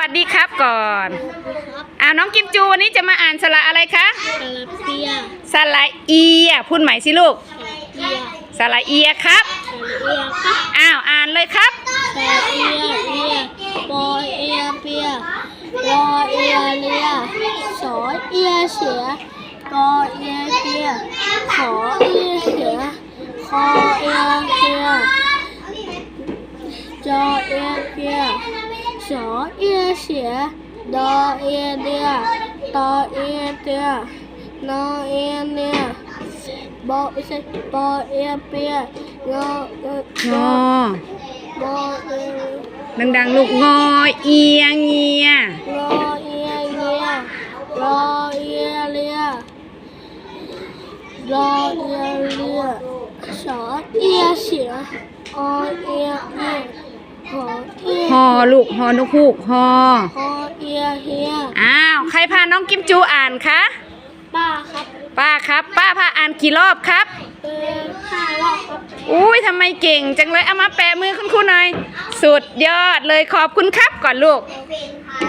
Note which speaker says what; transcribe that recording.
Speaker 1: สดีครับก่อนน้องกิมจูวันนี้จะมาอ่านสระอะไรคะสระเอียพูดใหม่สิลูกสระเอียครับอ่านเลยครับ
Speaker 2: สระเอียเอียปอเอียเปียรอเอียเลียสอเอียเสียกอเอียเปียขอเอียเสียคอเอียเปียจอเอียเปียสอเอียเสียดอเอียเดียตอเอียเตียนอเอียเนียบอไม่ใช่ปอเอียเปียงองอ
Speaker 1: ดังๆลูกงอเอียเงีย
Speaker 2: รอเอียเงียรอเอียเลียรอเอียเลียสอเอียเสียอเอียเอียหอเอีย
Speaker 1: ฮอลูกฮอนกฮูกฮอ
Speaker 2: เอียเฮีย
Speaker 1: ใครพาน้องกิมจูอ่านคะ
Speaker 2: ป้าครับ
Speaker 1: ป้าพาอ่านกี่รอบครับ
Speaker 2: 5 รอบครับ
Speaker 1: อุ้ยทำไมเก่งจังเลยเอามาแปะมือคุณครูหน่อยสุดยอดเลยขอบคุณครับก่อนลูก